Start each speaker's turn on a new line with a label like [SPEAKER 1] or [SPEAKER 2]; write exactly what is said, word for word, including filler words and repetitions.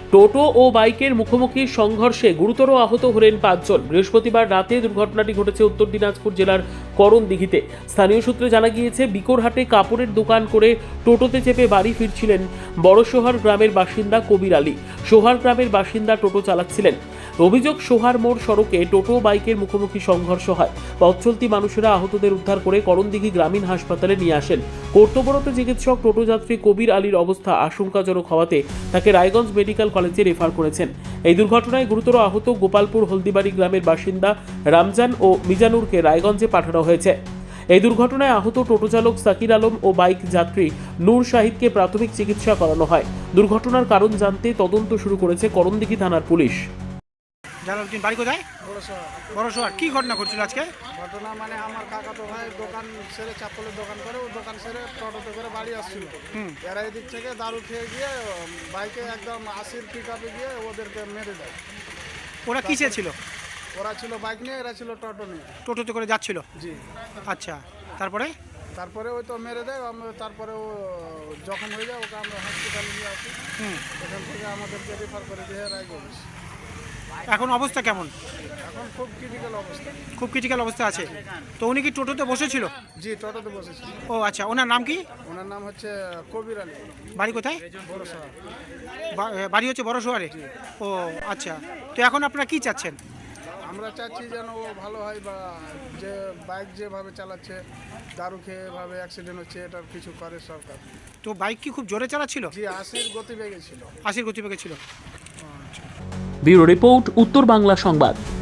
[SPEAKER 1] টোটো ও বাইকের মুখোমুখি সংঘর্ষে গুরুতর আহত হলেন পাঁচজন। বৃহস্পতিবার রাতে দুর্ঘটনাটি ঘটেছে উত্তর দিনাজপুর জেলার করণদিঘিতে। স্থানীয় সূত্রে জানা গিয়েছে, বিকোরহাটে কাপড়ের দোকান করে টোটোতে চেপে বাড়ি ফিরছিলেন বড়শোহার গ্রামের বাসিন্দা কবির আলী। সোহার গ্রামের বাসিন্দা টোটো চালাচ্ছিলেন। অভিযোগ, সোহার মোড় সড়কে টোটো বাইকের মুখোমুখি সংঘর্ষ হয়। পথ চলতি মানুষেরা আহতদের উদ্ধার করে করণদিঘি গ্রামীণ হাসপাতালে নিয়ে আসেন। কর্তব্যরত চিকিৎসক টোটো যাত্রী কবির আলীর অবস্থা আশঙ্কাজনক হওয়াতে তাকে রায়গঞ্জ মেডিকেল কলেজে রেফার করেছেন। এই দুর্ঘটনায় গুরুতর আহত গোপালপুর হলদিবাড়ি গ্রামের বাসিন্দা রামজান ও মিজানুরকে রায়গঞ্জে পাঠানো হয়েছে। এই দুর্ঘটনায় আহত টোটো চালক সাকির আলম ও বাইক যাত্রী নূর শাহিদকে প্রাথমিক চিকিৎসা করানো হয়। দুর্ঘটনার কারণ জানতে তদন্ত শুরু করেছে করণদিঘি থানার পুলিশ।
[SPEAKER 2] জালালউদ্দিন, বাড়ি কোথায়? বড়শোহার। কি ঘটনা ঘটছিল আজকে?
[SPEAKER 3] ঘটনা মানে আমার কাকাতো ভাই দোকান সেরে চাপ্পলের দোকান করে, ও দোকান সেরে টোটোতে করে বাড়ি আসছিল। এরা এদিক থেকে দারু খেয়ে গিয়ে বাইকে একদম আশির পিক আপে গিয়ে ওদেরকে মেরে দেয়।
[SPEAKER 2] ওরা কিসে ছিল?
[SPEAKER 3] ওরা ছিল বাইক নিয়ে, এরা ছিল টোটো নিয়ে।
[SPEAKER 2] টোটোতে করে যাচ্ছিল?
[SPEAKER 3] জি।
[SPEAKER 2] আচ্ছা, তারপরে?
[SPEAKER 3] তারপরে ওই তো মেরে দেয়। আমরা তারপরে ও জখম হয়ে যায়, ওকে আমরা হসপিটালে নিয়ে আসি।
[SPEAKER 2] হুম।
[SPEAKER 3] এখান থেকে আমাদেরকে রেফার করে দিয়ে রায়গঞ্জ।
[SPEAKER 2] এখন অবস্থা কেমন?
[SPEAKER 3] এখন খুব ক্রিটিক্যাল অবস্থা।
[SPEAKER 2] খুব ক্রিটিক্যাল অবস্থা আছে। তো উনি কি টোটোতে বসেছিল?
[SPEAKER 3] জি, টোটোতে বসেছি।
[SPEAKER 2] ও আচ্ছা, ওনার নাম কি?
[SPEAKER 3] ওনার নাম হচ্ছে কবির আলী।
[SPEAKER 2] বাড়ি কোথায়?
[SPEAKER 3] বড়শোহার।
[SPEAKER 2] বা- বাড়ি হচ্ছে বড়শোহারে? ও আচ্ছা, তো এখন আপনারা কি চাচ্ছেন?
[SPEAKER 3] আমরা চাচ্ছি যেন ও ভালো হয়, বা যে বাইক যেভাবে চালাচ্ছে, দারু খেয়ে এভাবে অ্যাক্সিডেন্ট হচ্ছে, এটার কিছু করে সরকার।
[SPEAKER 2] তো বাইক কি খুব জোরে চালাচ্ছিল?
[SPEAKER 3] জি, আশির গতিবেগে ছিল।
[SPEAKER 2] আশির গতিবেগে ছিল।
[SPEAKER 1] ব্যুরো রিপোর্ট, উত্তর বাংলা সংবাদ।